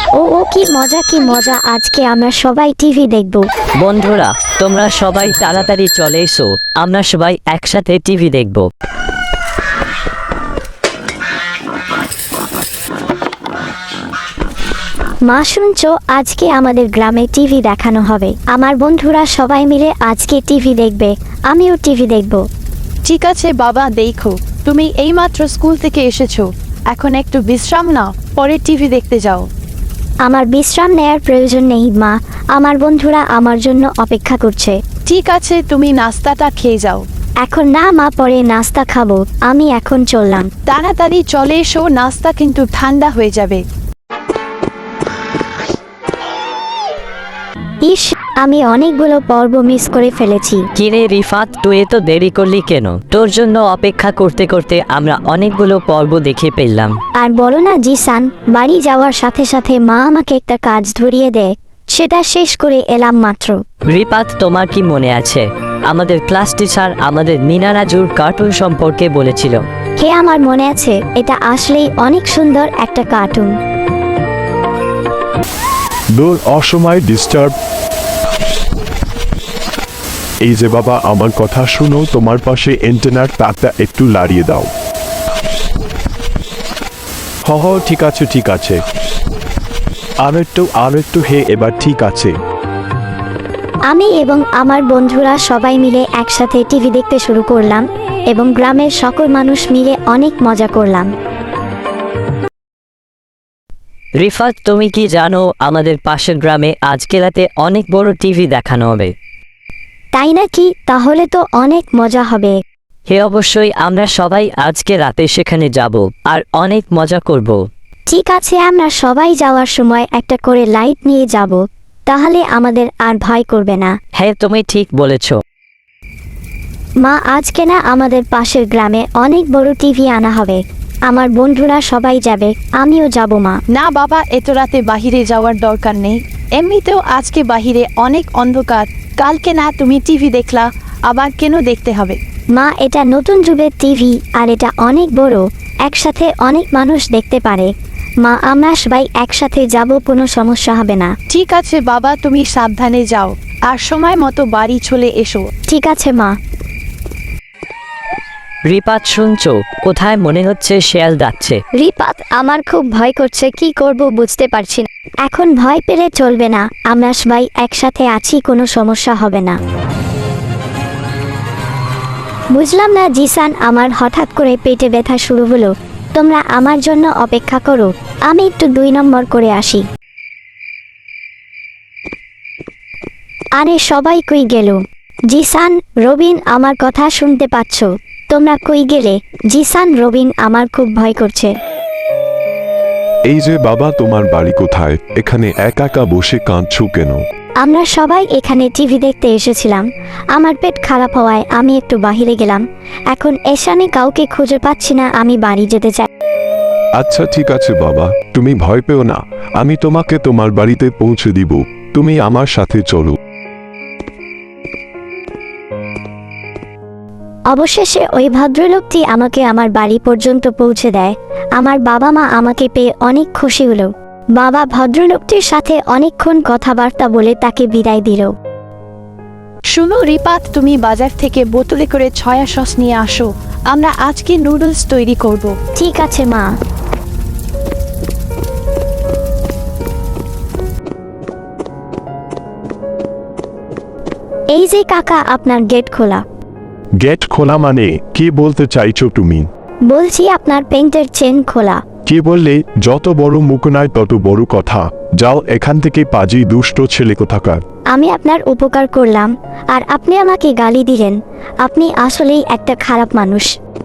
ও ও কি মজা কি মজা, আজকে আমরা সবাই টিভি দেখব। বন্ধুরা, তোমরা সবাই তাড়াতাড়ি চলে এসো, আমরা সবাই একসাথে টিভি দেখব। মা শুনছো, আজকে আমাদের গ্রামে টিভি দেখানো হবে। আমার বন্ধুরা সবাই মিলে আজকে টিভি দেখবে, আমিও টিভি দেখব। ঠিক আছে বাবা, দেখো তুমি এইমাত্র স্কুল থেকে এসেছো, এখন একটু বিশ্রাম নাও, পরে টিভি দেখতে যাও। আমার বিশ্রাম নেয়ার প্রয়োজন নেই মা, আমার বন্ধুরা আমার জন্য অপেক্ষা করছে। ঠিক আছে, তুমি নাস্তাটা খেয়ে যাও। এখন না মা, পরে নাস্তা খাবো, আমি এখন চললাম। তাড়াতাড়ি চলে এসো, নাস্তা কিন্তু ঠান্ডা হয়ে যাবে। ইস, আমি অনেকগুলো পর্ব মিস করে ফেলেছি। কিরে রিফাত, তুই এত দেরি করলি কেন? তোর জন্য অপেক্ষা করতে করতে আমরা অনেকগুলো পর্ব দেখে ফেললাম। আর বলো না জিসান, বাড়ি যাওয়ার সাথে সাথে মা আমাকে একটা কাজ ধরিয়ে দেয়, সেটা শেষ করে এলাম মাত্র। রিফাত, তোমার কি মনে আছে আমাদের ক্লাস টিচার আমাদের মিনা রাজুর কার্টুন সম্পর্কে বলেছিল? হে, আমার মনে আছে, এটা আসলেই অনেক সুন্দর একটা কার্টুন। দূর, অসময় ডিস্টার্ব। এই যে বাবা, আমার কথা শুনো, তোমার পাশে এন্টেনার তারটা একটু লাড়িয়ে দাও। ঠিক আছে ঠিক আছে, আর একটু হে, এবার ঠিক আছে। আমি এবং আমার বন্ধুরা সবাই মিলে একসাথে টিভি দেখতে শুরু করলাম এবং গ্রামের সকল মানুষ মিলে অনেক মজা করলাম। রিফাত, তুমি কি জানো আমাদের পাশের গ্রামে আজকে রাতে অনেক বড় টিভি দেখানো হবে? তাই নাকি? তাহলে তো অনেক মজা হবে। হে অবশ্যই, আমরা সবাই আজকে রাতে সেখানে যাব আর অনেক মজা করব। ঠিক আছে, আমরা সবাই যাওয়ার সময় একটা করে লাইট নিয়ে যাব, তাহলে আমাদের আর ভয় করবে না। হ্যাঁ, তুমি ঠিক বলেছ। মা, আজকে না আমাদের পাশের গ্রামে অনেক বড় টিভি আনা হবে, আমার বন্ধুরা সবাই যাবে, আমিও যাব। মা না বাবা, এত রাতে বাহিরে যাওয়ার দরকার নেই, এমনিতেও আজকে বাহিরে অনেক অন্ধকার, কালকে না তুমি টিভি দেখলা, আবার কেন দেখতে হবে? মা, এটা নতুন যুগের টিভি আর এটা অনেক বড়, একসাথে অনেক মানুষ দেখতে পারে। মা, আমরা সবাই একসাথে যাব, কোনো সমস্যা হবে না। ঠিক আছে বাবা, তুমি সাবধানে যাও আর সময় মতো বাড়ি চলে এসো। ঠিক আছে মা। রিপাত, শুনছো? কোথায় মনে হচ্ছে শেয়াল যাচ্ছে। রিপাত, আমার খুব ভয় করছে, কি করব বুঝতে পারছি না। এখন ভয় পেলে চলবে না, আমরা সবাই একসাথে আছি, কোনো সমস্যা হবে না। বুঝলাম না জিসান, আমার হঠাৎ করে পেটে ব্যথা শুরু হলো, তোমরা আমার জন্য অপেক্ষা করো, আমি একটু 2 নম্বর করে আসি। আরে সবাই কই গেল? জিসান, রবিন, আমার কথা শুনতে পাচ্ছ? তোমরা কই গেলে? জিসান, রবিন, আমার খুব ভয় করছে। এই যে বাবা, তোমার বাড়ি কোথায়? এখানে একা একা বসে কাঁদছো কেন? আমরা সবাই এখানে টিভি দেখতে এসেছিলাম, আমার পেট খারাপ হওয়ায় আমি একটু বাহিরে গেলাম, এখন এখানে কাউকে খুঁজে পাচ্ছি না, আমি বাড়ি যেতে চাই। আচ্ছা ঠিক আছে বাবা, তুমি ভয় পেও না, আমি তোমাকে তোমার বাড়িতে পৌঁছে দিব, তুমি আমার সাথে চলো। অবশেষে ওই ভদ্রলোকটি আমাকে আমার বাড়ি পর্যন্ত পৌঁছে দেয়। আমার বাবা মা আমাকে পেয়ে অনেক খুশি হলো। বাবা ভদ্রলোকটির সাথে অনেকক্ষণ কথাবার্তা বলে তাকে বিদায় দিল। শুনো রিপাত, তুমি বাজার থেকে বোতলে করে সয়া সস নিয়ে আসো, আমরা আজকে নুডলস তৈরি করব। ঠিক আছে মা। এই যে কাকা, আপনার গেট খোলা। গেট খোলা মানে কি বলতে চাইছো তুমি? বলছি আপনার পেন্টের চেন খোলা। কি বললে? যত বড় মুখ নয় তত বড় কথা, যাও এখান থেকে, পাজি দুষ্ট ছেলে কোথাকার। আমি আপনার উপকার করলাম আর আপনি আমাকে গালি দিলেন, আপনি আসলেই একটা খারাপ মানুষ।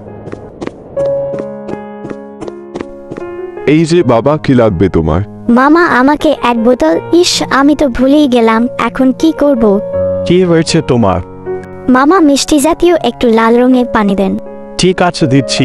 এই যে বাবা, কি লাগবে তোমার? মামা, আমাকে 1 বোতল। ইস, আমি তো ভুলেই গেলাম, এখন কি করব? কি হয়েছে তোমার? মামা, মিষ্টি জাতীয় একটু লাল রঙের পানি দেন। ঠিক আছে, দিচ্ছি।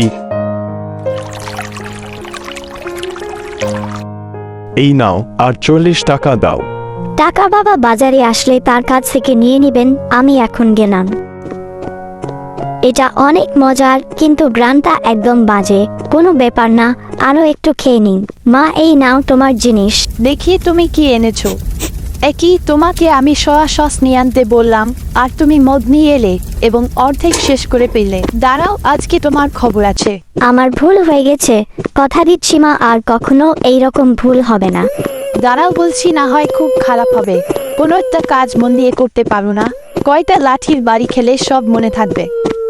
এই নাও, আর 40 টাকা দাও। টাকা বাবা বাজারে আসলে তার কাছ থেকে নিয়ে নেবেন, আমি এখন গেলাম। এটা অনেক মজার, কিন্তু গ্রানটা একদম বাজে। কোনো ব্যাপার না, আরও একটু খেয়ে নিন। মা, এই নাও তোমার জিনিস। দেখি তুমি কি এনেছো। একই তোমাকে আমি সয়া সস নিয়ে আনতে বললাম, আর তুমি মদ নিয়ে এলে এবং অর্ধেক শেষ করে পেলে। দাঁড়াও, আজকে তোমার খবর আছে। আমার ভুল হয়ে গেছে, কথা দিচ্ছি মা, আর কখনো এই রকম ভুল হবে না। দাঁড়াও বলছি, না হয় খুব খারাপ হবে। কোনো একটা কাজ মন দিয়ে করতে পারো না। কয়টা লাঠির বাড়ি খেলে সব মনে থাকবে।